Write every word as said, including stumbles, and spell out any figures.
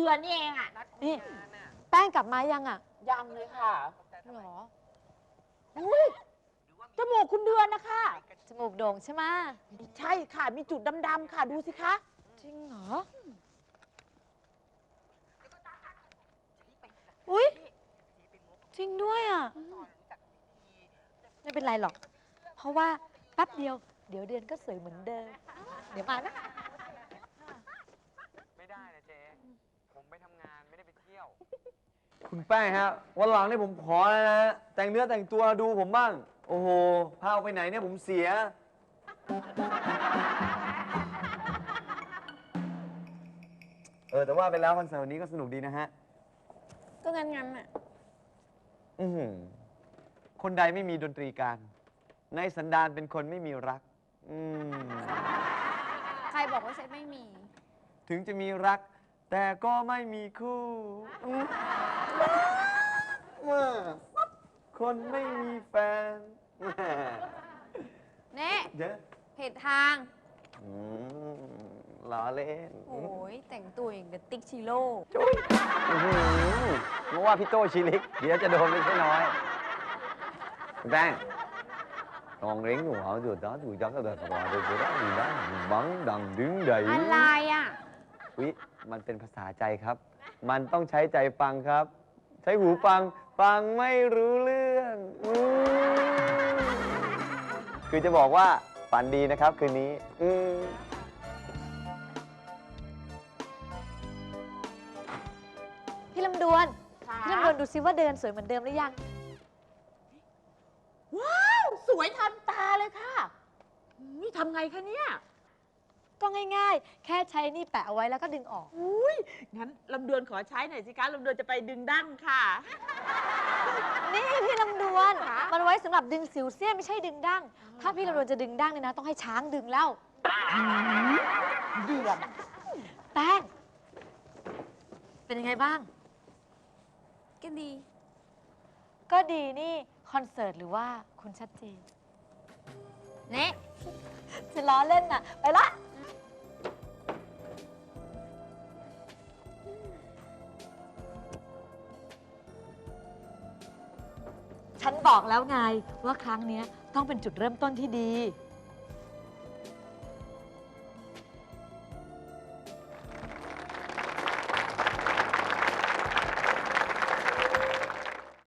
ดือนนี่เองอ่ะนี่แป้งกลับมายังอ่ะยังเลยค่ะหรออุ้ยจมูกคุณเดือนนะคะจมูกโด่งใช่ไหมใช่ค่ะ มีจุดดำๆค่ะ ดูสิคะจริงเหรออุ้ยจริงด้วยอ่ะไม่เป็นไรหรอกเพราะว่าแป๊บเดียวเดี๋ยวเดือนก็สวยเหมือนเดิมเดี๋ยวมานะไม่ได้นะเจ๊ผมไปทำงานไม่ได้ไปเที่ยว คุณแป้งฮะวันหลังนี่ผมขอแล้วนะแต่งเนื้อแต่งตัวดูผมบ้างโอ้โหพาออกไปไหนเนี่ยผมเสียเออแต่ว่าไปแล้วคอนเสิร์ตวันนี้ก็สนุกดีนะฮะก็งั้นงั้นอ่ะอือหือคนใดไม่มีดนตรีการในสันดานเป็นคนไม่มีรักอืมใครบอกว่าเซตไม่มีถึงจะมีรักแต่ก็ไม่มีคู่คนไม่มีแฟนเน่เยอะผิดทางอืมล้อเล่นโอ้ยแต่งตัวอย่างกับติ๊กชิโร่จุ๊ยเพราะว่าพี่โต้ชิลิกเดี๋ยวจะโดนไม่ใช่น้อยคุณแป้งตองเล้งหัวจุดđó tụi cháu có được gọi được cái đó gì đó bắn đằng đứng đẩy อะไรอ่ะวิมันเป็นภาษาใจครับ มันต้องใช้ใจฟังครับ ใช้หูฟังฟังไม่รู้เรื่องอืมคือจะบอกว่าฝันดีนะครับคืนนี้อืมพี่ลำดวนพี่ลำดวนดูซิว่าเดินสวยเหมือนเดิมหรือยังว้าวสวยทันตาเลยค่ะนี่ทำไงคะเนี่ยก็ง่ายๆแค่ใช้นี่แปะเอาไว้แล้วก็ดึงออกอุ้ยงั้นลำดวนขอใช้หน่อยสิคะลำดวนจะไปดึงดั้งค่ะนี่พี่ลำดวนมันไว้สำหรับดึงสิวเสี้ยนไม่ใช่ดึงดั้งถ้าพี่ลำดวนจะดึงดั้งเนี่ยนะต้องให้ช้างดึงแล้วเดือนแป้งเป็นยังไงบ้างก็ดีก็ดีนี่คอนเสิร์ตหรือว่าคุณชัดเจนเนี่ยจะล้อเล่นน่ะไปละฉันบอกแล้วไงว่าครั้งนี้ต้องเป็นจุดเริ่มต้นที่ดี